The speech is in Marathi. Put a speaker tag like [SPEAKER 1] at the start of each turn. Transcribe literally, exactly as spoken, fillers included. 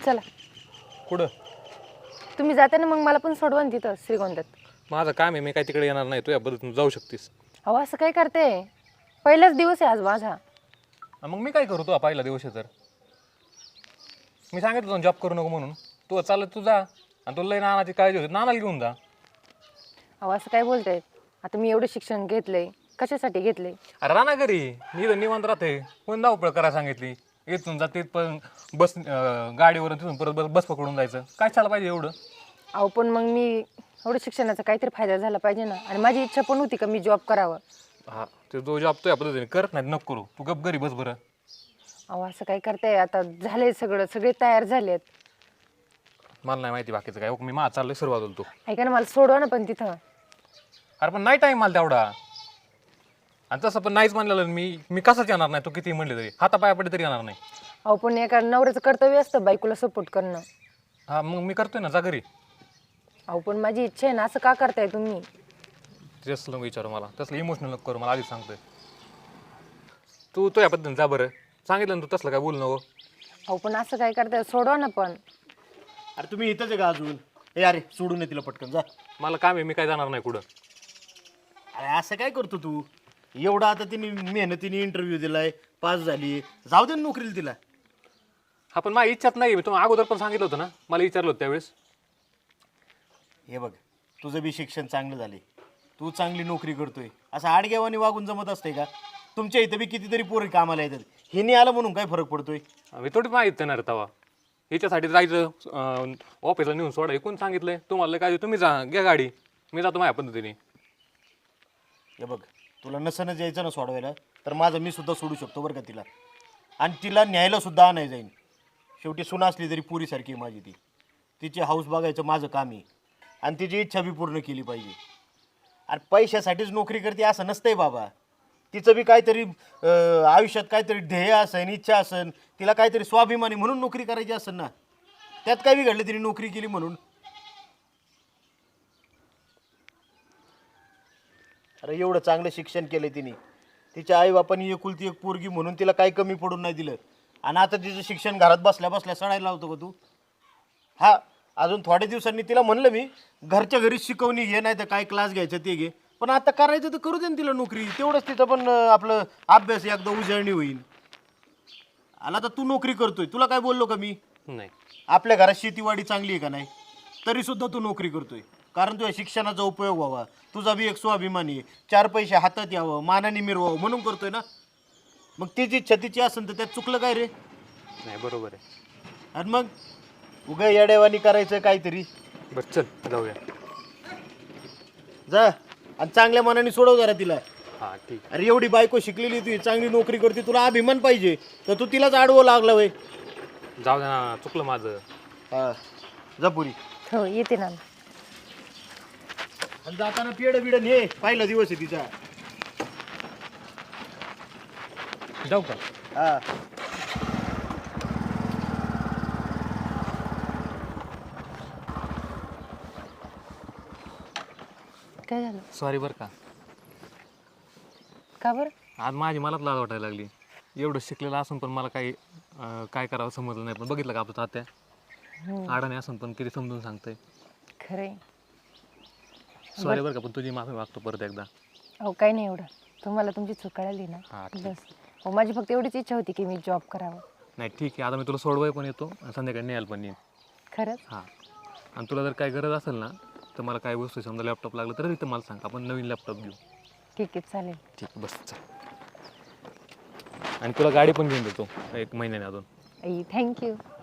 [SPEAKER 1] चला
[SPEAKER 2] कुठं?
[SPEAKER 1] तुम्ही जाता ना, मग मला पण सोडवा ना तिथं श्रीगोंद्यात.
[SPEAKER 2] माझं काम आहे, मी काय तिकडे येणार नाही. तुझ्या पद्धतीने जाऊ शकतीस.
[SPEAKER 1] अहो असं काय करते, पहिलाच दिवस आहे आज माझा.
[SPEAKER 2] मग मी काय करू? तू पहिला दिवस आहे तर मी सांगितलं तुला जॉब करू नको म्हणून. तू चालत तू जा, आणि तुला लई नानाची काळजी होती, नानाला घेऊन जा.
[SPEAKER 1] अहो असं काय बोलताय? आता मी एवढं शिक्षण घेतलंय, कशासाठी घेतलंय?
[SPEAKER 2] अरे राणा घरी मी इथं निवांत राहते. कोण धावपळ करायला सांगितली? इथून जाते पण बस अं, गाडीवरून तिथून परत बस बस पकडून जायचं. काय चाललं पाहिजे एवढं?
[SPEAKER 1] अहो पण मग मी एवढं शिक्षणाचा काहीतरी फायदा झाला पाहिजे ना, आणि माझी इच्छा पण होती का मी जॉब करावं.
[SPEAKER 2] हा, ते जो जॉब तुझ्या पद्धतीने करत नाही नको करू. तू गप घरी बस बरं.
[SPEAKER 1] अहो असं काय करताय? आता झालंय सगळं, सगळे तयार झालेत.
[SPEAKER 2] मला नाही माहिती बाकीचं काय. मी माझं चाललंय सुरुवात होतो.
[SPEAKER 1] ऐका ना, मला सोडवा ना पण तिथं.
[SPEAKER 2] अरे पण नाही टाईम मला तेवढा. आणि तसं पण नाहीच म्हणलेलं मी मी कसंच येणार नाही. तू किती म्हणले तरी हातापाया पडे तरी येणार नाही.
[SPEAKER 1] अहो पण एका नवऱ्याचं कर्तव्य असतं बायकोला सपोर्ट करणं.
[SPEAKER 2] हा मग मी करतोय ना, जा घरी.
[SPEAKER 1] अहो पण माझी इच्छा आहे ना, असं का करताय तुम्ही?
[SPEAKER 2] तसलं विचारू मला, तसलं इमोशनल नको करू मला, आधीच सांगतोय. तू तुझ्या पद्धतीने जा बरं. सांगितलं ना तू तसलं काय बोलू नको.
[SPEAKER 1] अहो पण असं काय करताय? सोडवा ना पण.
[SPEAKER 3] अरे तुम्ही इथंच आहे का अजून? ए अरे सोडून ये तिला पटकन जा.
[SPEAKER 2] मला काम आहे, मी काय जाणार नाही कुठं.
[SPEAKER 3] अरे असं काय करतो तू? एवढा आता तिने मेहनतीने इंटरव्ह्यू दिलाय, पास झाली, जाऊ दे ना नोकरीला तिला.
[SPEAKER 2] हा पण माझी इच्छाच नाही. मी तुम्हाला अगोदर पण सांगितलं होतं ना, मला विचारलं होतं त्यावेळेस.
[SPEAKER 3] हे बघ, तुझं बी शिक्षण चांगलं झाले, तू चांगली नोकरी करतोय, असं आडगेवानी वागून जमत असतंय का? तुमच्या इथं बी कितीतरी पोरी कामाला येतात. हे नाही आलं म्हणून काय फरक पडतोय?
[SPEAKER 2] मी थोडी माहीत येणार तवा. हिच्यासाठी जायचं ऑफिसला नेऊन सोडा. हे कोण सांगितलंय तुम्हाला? काय तुम्ही जा, घ्या गाडी, मी जातो माझ्या पद्धतीने.
[SPEAKER 3] हे बघ, तुला नसनच यायचं ना सोडवायला, तर माझं मी सुद्धा सोडू शकतो बरं का तिला. आणि तिला न्यायला सुद्धा आणाय जाईन. शेवटी सुना असली तरी पुरीसारखी आहे माझी ती. तिची हाऊस बघायचं माझं काम आहे, आणि तिची इच्छा बी पूर्ण केली पाहिजे. आणि पैशासाठीच नोकरी करते असं नसतंय बाबा. तिचं बी काहीतरी अं, आयुष्यात काहीतरी ध्येय असेल, इच्छा असेल, तिला काहीतरी स्वाभिमानी म्हणून नोकरी करायची असेल ना. त्यात काय बिघडलं तिने नोकरी केली म्हणून? अरे एवढं चांगलं शिक्षण केलं तिने, तिच्या आईबापांनी एकुलती एक पोरगी म्हणून तिला काही कमी पडून नाही दिलं. आणि आता तिचं शिक्षण घरात बसल्या बसल्या सडायला लावतो का तू? हा, अजून थोड्या दिवसांनी तिला म्हणलं मी, घरच्या घरी शिकवणी घे, नाही तर काय क्लास घ्यायचं ते घे, पण आता करायचं तर करू दे ना तिला नोकरी. तेवढंच तिचं पण अं, आपलं अभ्यास एकदा उजळणी होईल. आला तर तू नोकरी करतोय, तुला काय बोललो का मी?
[SPEAKER 2] नाही,
[SPEAKER 3] आपल्या घरात शेतीवाडी चांगली आहे का नाही, तरी सुद्धा तू नोकरी करतोय. कारण तुझ्या शिक्षणाचा उपयोग व्हावा, तुझा बी एक स्वाभिमानी आहे, चार पैसे हातात यावं, मानाने मिरवावं म्हणून करतोय ना. मग तिची इच्छा तिची असेल तर त्यात चुकलं काय रे?
[SPEAKER 2] नाही बरोबर आहे.
[SPEAKER 3] आणि मग उगा येड्यावानी करायचं काहीतरी.
[SPEAKER 2] बरं चल जाऊया.
[SPEAKER 3] जा, आणि चांगल्या मनाने सोडव जरा तिला.
[SPEAKER 2] हां ठीक.
[SPEAKER 3] अरे एवढी बायको शिकलेली, तुझी चांगली नोकरी करते, तुला अभिमान पाहिजे, तर तू तिलाच आडवं लागला वय.
[SPEAKER 2] जाऊ दे ना, चुकलं माझं.
[SPEAKER 3] हा, जा पुरी.
[SPEAKER 1] हो येते ना.
[SPEAKER 3] आणि जाताना पेड बिड ने, पहिला दिवस आहे तिचा.
[SPEAKER 2] जाऊ का?
[SPEAKER 3] हा.
[SPEAKER 1] काय झालं?
[SPEAKER 2] सॉरी बरं का.
[SPEAKER 1] का बरं?
[SPEAKER 2] आज माझी मलाच लाज वाटायला लागली. एवढं शिकलेलं असून पण मला काही अं, काय करावं समजलं नाही. पण बघितलं का आपलं तात्या आडाने असून पण किती समजून सांगतंय.
[SPEAKER 1] खरंय.
[SPEAKER 2] सॉरी बरं का, पण तुझी माफी मागतो परत एकदा.
[SPEAKER 1] अहो काही नाही एवढं, तुम्हाला तुमची चूक कळाली ना,
[SPEAKER 2] हां ठीक.
[SPEAKER 1] बस. हो माझी फक्त एवढीच इच्छा होती की मी जॉब करावं.
[SPEAKER 2] नाही ठीक आहे, आता मी तुला सोडवाय पण येतो आणि संध्याकाळी न्यायला पण येईन.
[SPEAKER 1] खरंच?
[SPEAKER 2] हां, आणि तुला जर काय गरज असेल ना, तर मला काय वस्तू समजा लॅपटॉप लागलं तर तिथं मला सांग, आपण नवीन लॅपटॉप घेऊ.
[SPEAKER 1] ठीक आहे चालेल.
[SPEAKER 2] ठीक, बस चल. आणि तुला गाडी पण घेऊन देतो एक महिन्याने अजून.
[SPEAKER 1] थँक्यू.